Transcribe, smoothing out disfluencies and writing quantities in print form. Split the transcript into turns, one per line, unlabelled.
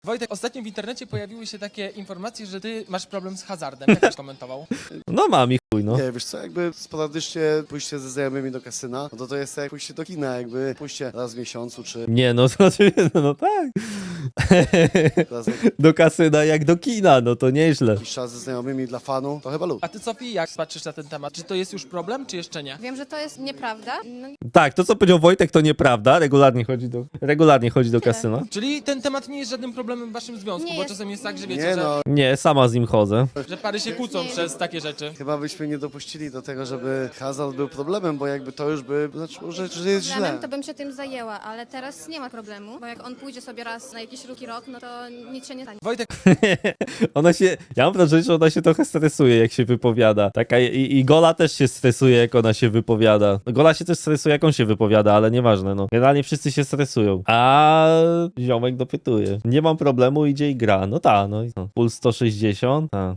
Wojtek, ostatnio w internecie pojawiły się takie informacje, że ty masz problem z hazardem. Jak byś komentował?
No mam i chuj, no.
Nie, wiesz co, jakby sporadycznie pójście ze znajomymi do kasyna, no to jest jak pójście do kina, jakby pójście raz w miesiącu, czy
Nie, no to oczywiście, no tak.
raz na
Do kasyna jak do kina, no to nieźle.
jakiś czas ze znajomymi dla fanu, to chyba lub.
A ty, Sofii, jak patrzysz na ten temat? Czy to jest już problem, czy jeszcze nie?
Wiem, że to jest nieprawda. No,
Tak, to co powiedział Wojtek to nieprawda, regularnie chodzi do kasyna.
Czyli ten temat nie jest żadnym problemem w waszym związku,
Nie
bo
jest.
czasem jest tak, że wiecie,
Nie
że,
no,
Nie, sama z nim chodzę.
że pary się kłócą przez takie rzeczy.
chyba byśmy nie dopuścili do tego, żeby hazard był problemem, bo jakby to już by znaczyło, że jest źle.
problemem to bym się tym zajęła, ale teraz nie ma problemu, bo jak on pójdzie sobie raz na jakiś ruki rok, no to nic się nie stanie.
Wojtek,
Ja mam wrażenie, że ona się trochę stresuje, jak się wypowiada. Taka i Gola też się stresuje, jak ona się wypowiada. Gola się też stresuje, jak on się wypowiada, ale nieważne, no. Generalnie wszyscy się stresują. A ziomek dopytuje. Nie mam problemu, idzie i gra. No ta, no i co? Puls 160? Ta.